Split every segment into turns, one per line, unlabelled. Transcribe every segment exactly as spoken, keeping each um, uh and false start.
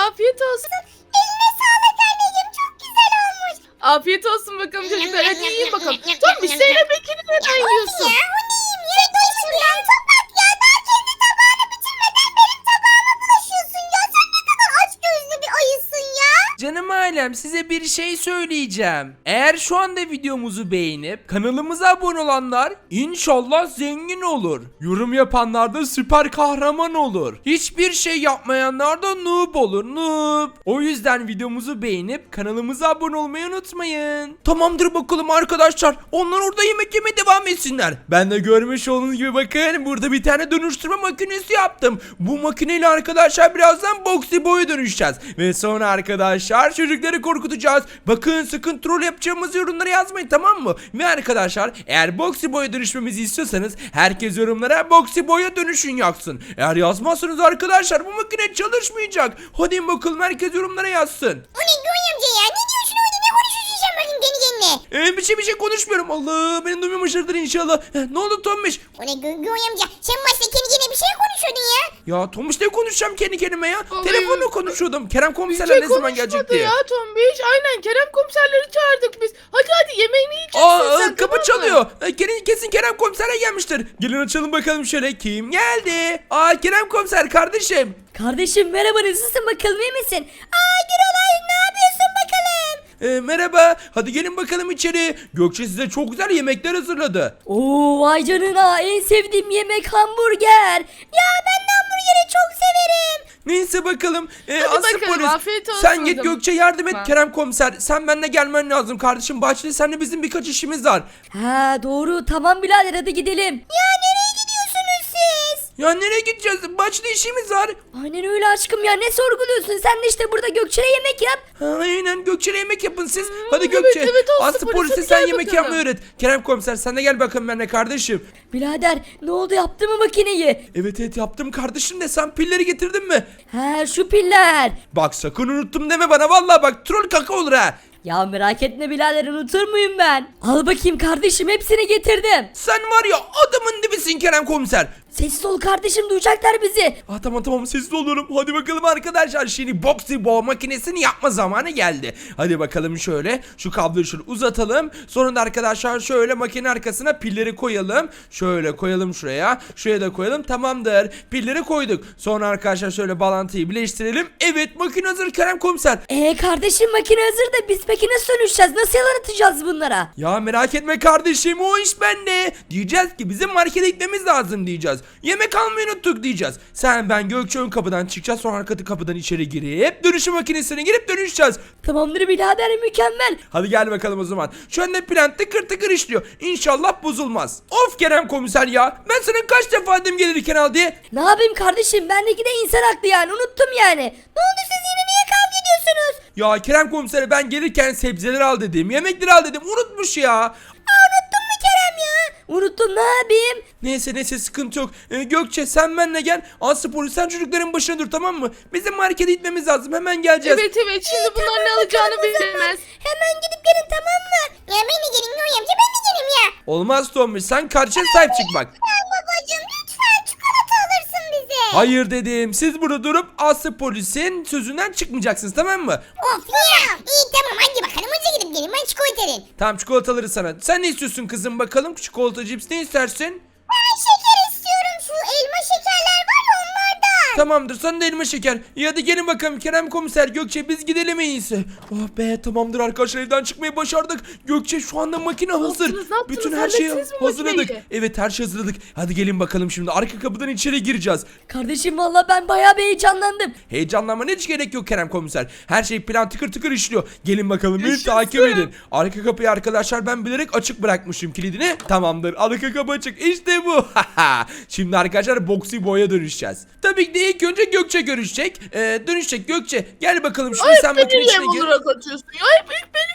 afiyet olsun.
Eline sağlık anneciğim, çok güzel olmuş.
Afiyet olsun bakalım çocuklar, hadi yiyin bakalım. Tombiş Zeynep Bekir'i neden yiyorsun?
Ya o neyim ya? Doymadı ya. Tabak ya. Daha kendi tabağını bitirmeden benim tabağıma bulaşıyorsun ya. Sen ne kadar aç gözlü bir ayısın ya.
Canım ailem, size bir şey söyleyeceğim. Eğer şu anda videomuzu beğenip kanalımıza abone olanlar inşallah zengin olur. Yorum yapanlar da süper kahraman olur. Hiçbir şey yapmayanlar da noob olur, noob. O yüzden videomuzu beğenip kanalımıza abone olmayı unutmayın. Tamamdır bakalım arkadaşlar. Onlar orada yemek yemeye devam etsinler. Ben de görmüş olduğunuz gibi bakın burada bir tane dönüştürme makinesi yaptım. Bu makineyle arkadaşlar birazdan Boxy Boy'a dönüşeceğiz. Ve sonra arkadaşlar çocukları korkutacağız. Bakın sakın troll yapacağımız yorumlara yazmayın, tamam mı? Ve arkadaşlar eğer Boxy Boy'a dönüşmemizi istiyorsanız herkes yorumlara Boxy Boy'a dönüşün yazsın. Eğer yazmazsanız arkadaşlar bu makine çalışmayacak. Hadi bakalım herkes yorumlara yazsın.
O ne Göğe amca ya? Ne diyorsun orada? Ne konuşuyorsun sen bakayım kendi kendine?
Ee, bir şey bir şey konuşmuyorum. Allah, beni duymamışlardır inşallah. Heh, ne oldu Tombiş?
O ne Gö Göğe amca? Sen başta kendi kendine bir şey konuşuyordun ya.
Ya Tomuş, ne konuşacağım kendi kendime ya?
Ay.
Telefonla konuşuyordum. Kerem
Bir
komiserler
şey
ne zaman gelecek
konuşmadı
diye.
ya Tombiş. Aynen Kerem komiserleri çağırdık biz. Hadi hadi yemeğini yiyeceksin
Aa,
sen,
kapı
tamam mı?
çalıyor. E, Kesin, kesin Kerem komisere gelmiştir. Gelin açalım bakalım şöyle. Kim geldi? Aa, Kerem komiser kardeşim.
Kardeşim merhaba, nasılsın bakalım, iyi misin? Aa Gürolay, ne yapıyorsun bakalım?
E, merhaba. Hadi gelin bakalım içeri. Gökçe size çok güzel yemekler hazırladı.
Oo vay canına, en sevdiğim yemek hamburger. Ya ben de hamburgeri çok severim.
Neyse bakalım. E,
Hadi
Aslı
bakalım,
polis.
afiyet olsun
Sen
o
git
zaman.
Gökçe yardım et
Tamam.
Kerem komiser. Sen benimle gelmen lazım kardeşim. Bahçeli senle bizim birkaç işimiz var.
Ha doğru, tamam birader, hadi gidelim.
Ya nereye gidiyorsunuz siz?
Ya nereye gideceğiz? Bahçede işimiz var.
Aynen öyle aşkım ya, ne sorguluyorsun? Sen de işte burada Gökçe'ye yemek yap.
Ha, aynen Gökçe'yle yemek yapın siz. Hadi
evet,
Gökçe.
evet, Aslı
Aslı
polis,
polise
hadi
sen
gel
yemek
bakalım.
yapmayı öğret. Kerem komiser sen de gel bakalım benimle kardeşim.
Birader ne oldu, yaptı mı makineyi?
Evet evet yaptım kardeşim de sen pilleri getirdin mi?
Ha şu piller.
Bak sakın unuttum deme bana, vallahi bak troll kaka olur ha.
Ya merak etme birader, unutur muyum ben? Al bakayım kardeşim, hepsini getirdim.
Sen var ya adamın dibisin Kerem komiser.
Sessiz ol kardeşim, duyacaklar bizi.
Ah tamam tamam sessiz oluyorum. Hadi bakalım arkadaşlar, şimdi Boxy Boy makinesini yapma zamanı geldi. Hadi bakalım şöyle şu kabloyu şöyle uzatalım. Sonra da arkadaşlar şöyle makine arkasına pilleri koyalım. Şöyle koyalım şuraya. Şuraya da koyalım, tamamdır. Pilleri koyduk. Sonra arkadaşlar şöyle bağlantıyı birleştirelim. Evet makine hazır Kerem komiser.
Ee kardeşim makine hazır da biz peki nasıl dönüşeceğiz? Nasıl yaratacağız bunlara?
Ya merak etme kardeşim, o iş bende. Diyeceğiz ki bizim markete gitmemiz lazım diyeceğiz. Yemek almayı unuttuk diyeceğiz. Sen ben Gökçe ön kapıdan çıkacağız, sonra arka kapıdan içeri girip dönüşüm makinesine girip dönüşeceğiz.
Tamamdır birader, mükemmel.
Hadi gel bakalım o zaman. Şu anda plan tıkır tıkır işliyor. İnşallah bozulmaz. Of Kerem komiser ya. Ben sana kaç defa dedim gelirken al diye.
Ne yapayım kardeşim, bendeki de insan haklı yani, unuttum yani. Ne oldu, siz yine niye kavga ediyorsunuz?
Ya Kerem komisere ben gelirken sebzeleri al dedim. Yemekleri al dedim. Unutmuş ya.
Aa, unuttun mu Kerem ya? Unuttum, ne yapayım?
Neyse neyse sıkıntı yok. Ee, Gökçe sen benimle gel. Aslı polis sen çocukların başına dur, tamam mı? Bizim markete gitmemiz lazım. Hemen geleceğiz.
Evet evet, şimdi bunlar ne alacağını bilemez.
Hemen gidip gelin, tamam mı? Ya ben de gelin Göğe amca, ben de gelin ya.
Olmaz Tommy, sen karşıya sahip çık bak.
Lütfen babacığım, lütfen çikolata alırsın bize.
Hayır dedim. Siz burada durup Aslı polisin sözünden çıkmayacaksınız, tamam mı?
Of ya. İyi tamam, hadi bakalım hadi gidip gelin, ben çikolata alayım.
Tamam çikolataları sana. Sen ne istiyorsun kızım bakalım? Çikolata, cips ne istersin?
Ben şeker istiyorum, şu elma şekerler var ya onlardan.
Tamamdır, sana da elma şeker. İyi hadi gelin bakalım Kerem komiser, Gökçe biz gidelim en iyisi. Oh be, tamamdır arkadaşlar, evden çıkmayı başardık. Gökçe şu anda makine hazır.
yaptınız, ne yaptınız?
Bütün her şeyi
Hallettiniz mi
hazırladık.
makineyi?
Evet her şey hazırladık. Hadi gelin bakalım şimdi arka kapıdan içeri gireceğiz.
Kardeşim valla ben bayağı bir heyecanlandım.
Heyecanlanmana hiç gerek yok Kerem komiser. Her şey plan tıkır tıkır işliyor. Gelin bakalım beni
Yaşasın.
takip edin. Arka kapıyı arkadaşlar ben bilerek açık bırakmışım kilidini. Tamamdır, arka kapı açık. İşte bu. Şimdi arkadaşlar Boxy Boy'a dönüşeceğiz. Tabii ki de ilk önce Gökçe görüşecek. Ee, dönüşecek Gökçe. Gel bakalım şimdi
Ay
sen
beni
makine
niye
içine gir.
olarak atıyorsun ya? Hep ilk benim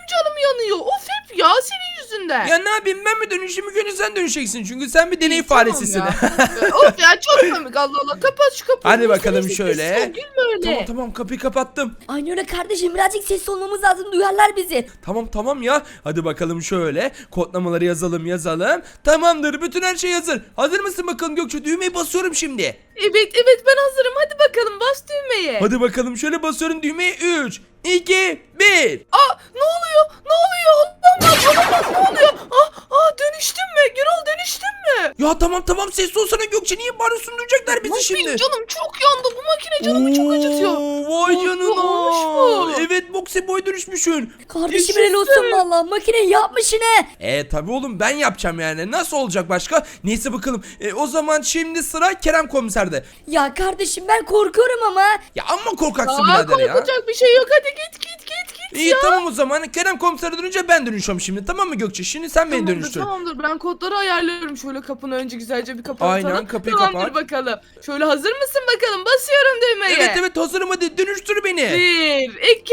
çok canım yanıyor. Of hep ya senin yüzünden.
Ya ne yapayım, ben mi dönüşeyim, ilk önce sen dönüşeceksin çünkü sen bir deney
İyi, tamam
faresisin.
ya. Of ya çok komik, Allah Allah, kapat şu kapıyı.
Hadi bakalım
Neyse,
şöyle.
sessiz ol, gülme öyle.
Tamam tamam, kapıyı kapattım.
Aynı öyle kardeşim, birazcık sesli olmamız lazım, duyarlar bizi.
Tamam tamam ya. Hadi bakalım şöyle. Kodlamaları yazalım yazalım. Tamamdır, bütün her şey hazır. Hazır mısın bakalım Gökçe? Düğmeyi basıyorum şimdi.
Evet evet ben hazırım, hadi bakalım bas düğmeye.
Hadi bakalım şöyle basıyorum düğmeye. üç, iki, bir.
Aa ne oluyor ne oluyor, olamaz olamaz, ne oluyor? Aa, aa dönüştün mü Gürol, dönüştün mü?
Ya tamam tamam, sessiz olsana Gökçe. Niye bağırıyorsun? Duyacaklar bizi
Ay,
şimdi.
benim canım çok yandı, bu makine canımı çok acıtıyor.
Oo, Vay
Oo,
canına.
olmuş mu?
Evet, Boxy Boy dönüşmüşsün.
Kardeşim helal olsun valla, makine yapmış yine.
E tabi oğlum, ben yapacağım yani. Nasıl olacak başka? Neyse bakalım. E, o zaman şimdi sıra Kerem komiserde.
Ya kardeşim ben korkuyorum ama.
Ya amma korkaksın
Aa
birader ya.
korkacak bir şey yok, hadi git git git git
İyi
ya.
tamam o zaman. Kerem komisere dönünce ben dönüşüyorum şimdi. Tamam mı Gökçe? Şimdi sen beni
Tamamdır
dönüştür.
tamamdır, ben kodları ayarlıyorum. Şöyle kapını önce güzelce bir kapatalım.
Aynen, kapıyı
Tamamdır
kapat.
bakalım. Şöyle hazır mısın bakalım, basıyorum düğmeye.
Evet evet, hazırım, hadi dönüştür beni.
Bir, iki,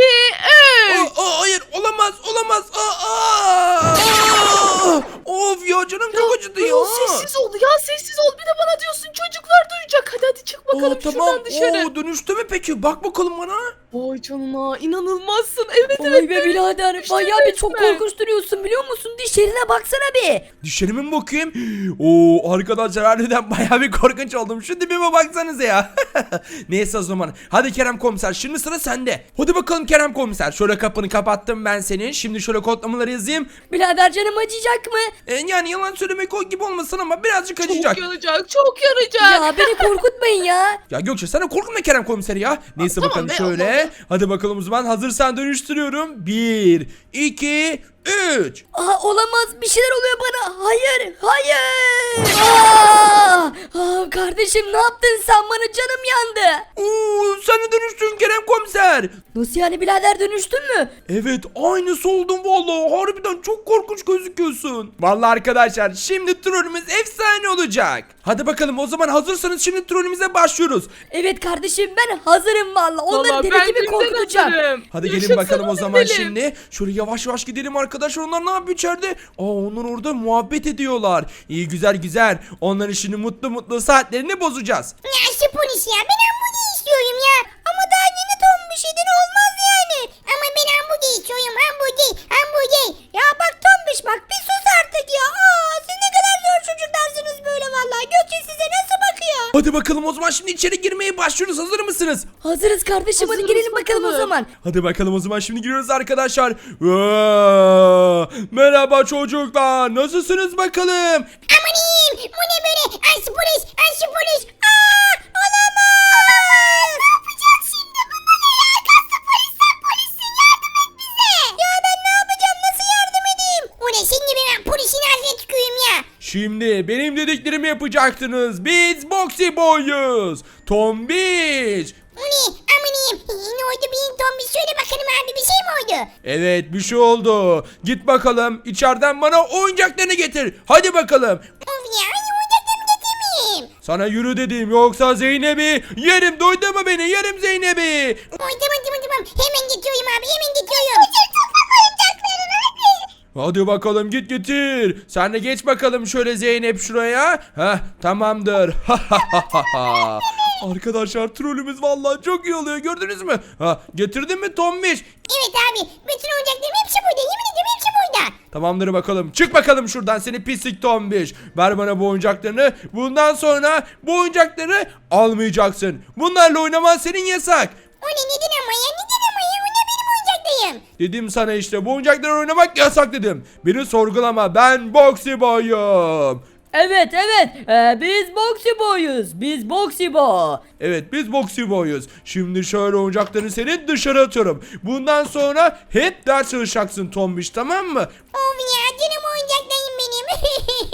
üç.
Aa, aa, hayır, olamaz olamaz. Aa, aa, aa. Of ya, canım çok acıdı ya.
Gürol, sessiz ol ya, sessiz ol. Bir de bana diyorsun, çocuklar duyacak. Hadi hadi çık bakalım
Aa, tamam.
şuradan dışarı.
Oo, dönüştü mü peki? Bak bakalım bana.
Vay canına, inanılmazsın. Evet
Vay
evet.
be birader,
dönüştün
bayağı bir çok
resmen.
korkunç duruyorsun biliyor musun? Dişlerine baksana bir.
Dişlerime mi bakayım? Oo, arkadaşlar harbiden bayağı bir korkunç oldum. Şu dibime baksanıza ya. Neyse o zaman. Hadi Kerem komiser, şimdi sıra sende. Hadi bakalım Kerem komiser. Şöyle kapını kapattım ben senin. Şimdi şöyle kodlamaları yazayım.
Birader canım acıyacak mı?
E, yani yalan söylemek o gibi olmasın ama birazcık acıyacak.
Çok yanacak, çok yanacak.
Ya beni korkutmayın ya.
Ya Gökçe, sana korkutma Kerem komiseri ya. Neyse
tamam
bakalım
be,
şöyle.
Allah'ım.
Hadi bakalım o zaman, hazırsan dönüştürüyorum. Bir, iki, üç.
Aa, olamaz, bir şeyler oluyor bana. Hayır, hayır. Aa, aa, kardeşim ne yaptın sen bana, canım yandı.
Oo, sen de dönüştün Kerem komiser.
Nasıl yani birader, dönüştün mü?
Evet, aynısı oldum vallahi. Harbiden çok korkunç gözüküyorsun. Vallahi arkadaşlar, şimdi trollümüz efsane olacak. Hadi bakalım o zaman, hazırsanız şimdi trollümüze başlıyoruz.
Evet kardeşim, ben hazırım valla. Onları
Vallahi
deli
ben
gibi
dünden
korkutacağım.
hazırım.
Hadi gelin
Yaşasın,
bakalım o
hadi
zaman
gidelim.
şimdi. Şöyle yavaş yavaş gidelim arkadaşlar. Onlar ne yapıyor içeride? Aa, onlar orada muhabbet ediyorlar. İyi, güzel güzel. Onların şimdi mutlu mutlu saatlerini bozacağız.
Ya şu polis ya, ben hamburger istiyorum ya. Ama daha yeni tombiş edin olmaz yani. Ama ben hamburger istiyorum, hamburger, hamburger. Ya bak tombiş bak, bir sus artık ya. Aa, siz ne kadar zor çocuklarsınız böyle vallahi. Gökçe size nasıl bakıyor?
Hadi bakalım o zaman, şimdi içeri girmeye başlıyoruz. Hazır mısınız?
Hazırız kardeşim, hadi
Hazırız
girelim bakalım o
bakalım.
zaman.
Hadi bakalım o zaman, şimdi giriyoruz arkadaşlar. Aa, merhaba çocuklar. Nasılsınız bakalım?
Amanim, bu ne böyle? Ay şu polis, ay şu polis. Aa, olamaz. Ne yapacağız şimdi bunlara ya? Kaslı polisler, polissin, yardım et bize. Ya ben ne yapacağım, nasıl yardım edeyim? O ne, şimdi ben polisin ağzına tüküreyim ya.
Şimdi benim dediklerimi yapacaksınız. Biz Boxy Boy'uz. Tombiş.
O ne? Amanim. Ne oldu benim tombiş? Söyle bakalım abi, bir şey mi oldu?
Evet, bir şey oldu. Git bakalım içeriden bana oyuncaklarını getir. Hadi bakalım.
Of ya, hani oyuncaklarımı getirmeyeyim.
Sana yürü dedim, yoksa Zeynep'i yerim. Duydun mu beni? Yerim Zeynep'i.
Oy tamam tamam tamam. Hemen getiriyorum abi, hemen getiriyorum. Getir toprak oyuncaklarını hadi.
Hadi bakalım, git getir. Sen de geç bakalım şöyle Zeynep şuraya. Heh, tamamdır. Arkadaşlar, trolümüz vallahi çok iyi oluyor, gördünüz mü? Ha, getirdin mi Tombiş?
Evet abi, bütün oyuncaklarım hepsi burada. Yemin ediyorum hepsi burada.
Tamamdır bakalım. Çık bakalım şuradan seni pislik Tombiş. Ver bana bu oyuncaklarını. Bundan sonra bu oyuncakları almayacaksın. Bunlarla oynaman senin yasak.
O ne, neden ama ya, neden ama ya? O ne, benim oyuncaklarım.
Dedim sana işte, bu oyuncakları oynamak yasak dedim. Beni sorgulama, ben Boxy Boy'um.
Evet evet, ee, biz Boxy Boy'uz. Biz Boxy Boy.
Evet, biz Boxy Boy'uz. Şimdi şöyle oyuncaklarını senin dışarı atıyorum. Bundan sonra hep ders çalışacaksın Tombiş, tamam mı?
Of ya, canım oyuncaklarım benim.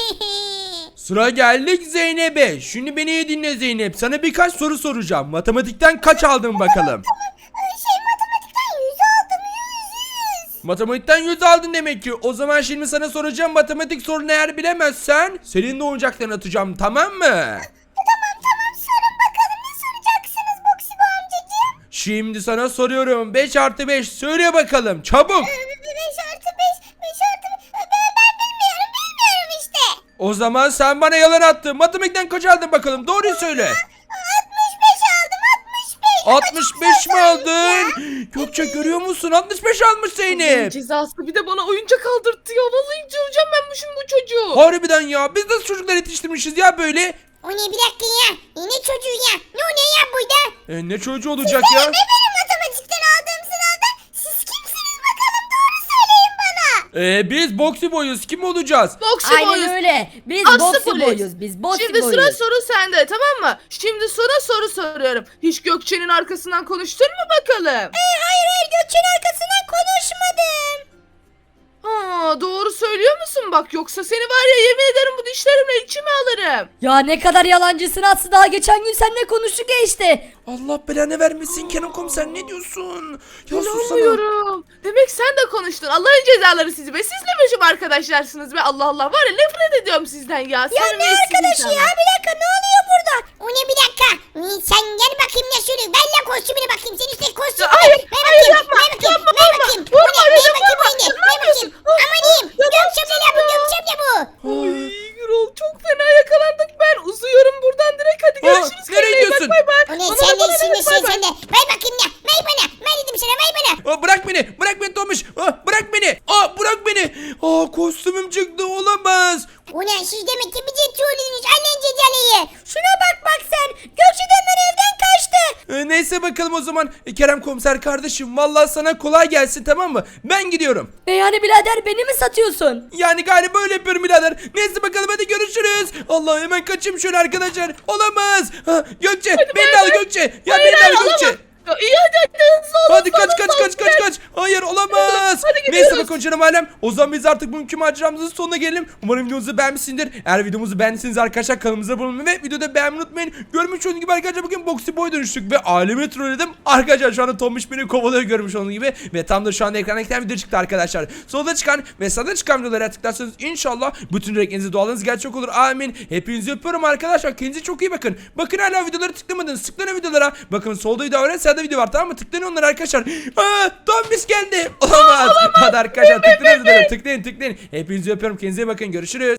Sıra geldik Zeynep'e. Şimdi beni iyi dinle Zeynep. Sana birkaç soru soracağım. Matematikten kaç aldın bakalım?
Şey, matematikten yüz aldım, yüz yüz.
Matematikten yüz aldın demek ki. O zaman şimdi sana soracağım matematik sorunu, eğer bilemezsen senin de oyuncaklarını atacağım, tamam mı?
Tamam tamam, sorun bakalım, ne soracaksınız Boxy Boy amcacığım?
Şimdi sana soruyorum. beş artı beş söyle bakalım, çabuk.
beş artı
O zaman sen bana yalan attın. Matematikten kaç aldın bakalım? Doğruyu söyle.
altmış beş aldım altmış beş.
altmış beş mi aldın? Gökçe görüyor musun? altmış beş almış
Allah'ın
Zeynep.
cezası bir de bana oyuncak aldırttı ya. Vallahi göreceğim ben bu şimdi bu çocuğu.
Harbiden ya. Biz nasıl çocuklar yetiştirmişiz ya böyle?
O ne bir dakika ya. E, ne çocuğu ya? Ne o ne ya burada?
E, ne çocuğu olacak ya?
Ne benim matematikten aldığım sınavda? Siz kimsiniz bakalım doğru söyleyin bana.
E, biz boksi boyuz. Kim olacağız?
Boksi
Aynen
boyuz.
öyle. Biz
Aslı
boksi
polis.
boyuz. Biz boksi
Şimdi
boyuz.
sıra soru sende, tamam mı? Şimdi sana soru soruyorum. Hiç Gökçe'nin arkasından konuştun mu bakalım?
Hayır hayır Gökçe'nin arkasından konuşmadım.
Ha, doğru söylüyor musun bak, yoksa seni var ya yemin ederim bu dişlerimle içime alırım.
Ya ne kadar yalancısın Aslı, daha geçen gün seninle konuştuk ya işte.
Allah belanı vermesin Kenan komiser, ne diyorsun? Ya susana.
İnanmıyorum. Demek sen de konuştun. Allah'ın cezaları sizi be. Siz ne biçim arkadaşlarsınız be. Allah Allah, var ya nefret ediyorum sizden ya.
Ya ne
Terbiyesiz
arkadaşı
insanlar.
ya bir dakika ne oluyor burada? O ne bir dakika. Ee, Sen gel bakayım ya şöyle. Ver lan kostümüne bakayım. Senin üstteki kostümü.
Ya hayır,
ver
hayır,
bakayım.
yapma,
Ver bakayım.
yapma,
ver
vurma.
bakayım.
Vurma,
Bu ne? Ver
dedim,
bakayım
vurma.
bu ne?
Ne
Ver bakayım.
yapıyorsun? Ah,
Aman diyeyim.
ya ne
Gökçemle la bu Gökçemle bu.
Ay Gürol, çok fena yakalandık. Ben uzuyorum buradan direkt. Hadi
Aa,
görüşürüz.
nereye
Kendine iyi bak,
gidiyorsun?
Bay bay.
O ne?
Bana
Sen
bak,
de
bana
şimdi
bak,
sen
bay bay.
sen de. Ver bakayım ya. Ver bana. Ver dedim sana. Ver bana.
Aa, bırak beni, bırak beni Tomuş. Aa, bırak beni. Aa, bırak beni. Aa, kostümüm çıktı, olamaz.
O ne? Siz demek ki bizi trollünüz. Annen cezalayı. Şuna bak bak sen. Gökçe'den ben evden kaçtı.
Ee, neyse bakalım o zaman. E, Kerem komiser kardeşim, vallahi sana kolay gelsin, tamam mı? Ben gidiyorum.
E yani birader, beni mi satıyorsun?
Yani galiba böyle yapıyorum birader. Neyse bakalım, hadi görüşürüz. Allah, hemen kaçayım şöyle arkadaşlar. Olamaz. Ha, Gökçe, beni de al Gökçe. Ya
Hayır,
beni de
hayır,
al Gökçe.
alamam. Ya, iyi hadi hadi hızlı olun.
Hadi kaç
hızlı
kaç
olun,
kaç kaç
gel.
kaç. Hayır, olamaz.
Hadi gidiyoruz.
Neyse bakın canım alem. O zaman biz artık bugünkü maceramızın sonuna gelelim. Umarım videomuzu beğenmişsindir. Eğer videomuzu beğendiyseniz arkadaşlar kanalımıza abone olmayı ve videoda beğenmeyi unutmayın. Görmüş olduğunuz gibi arkadaşlar bugün Boxy Boy dönüştük ve ailemi trolledim. Arkadaşlar şu anda Tombiş beni kovalıyor görmüş olduğunuz gibi. Ve tam da şu anda ekrana gelen video çıktı arkadaşlar. Solda çıkan ve sağda çıkan videolara tıklarsanız inşallah bütün dileklerinizi, dualarınız gerçek olur. Amin. Hepinizi öpüyorum arkadaşlar. Kendinize çok iyi bakın. Bakın hala videoları tıklamadınız. Tıklayın videolara. Bakın solda video var, sağda video var, tamam mı? Tıklayın onlara arkadaşlar. Aa, Tombiş geldi. Olamaz. Hadi arkadaşlar tıklayın videolara. Tıklayın tıklayın. Hepinizi öpüyorum. Kendinize iyi bakın. Görüşürüz.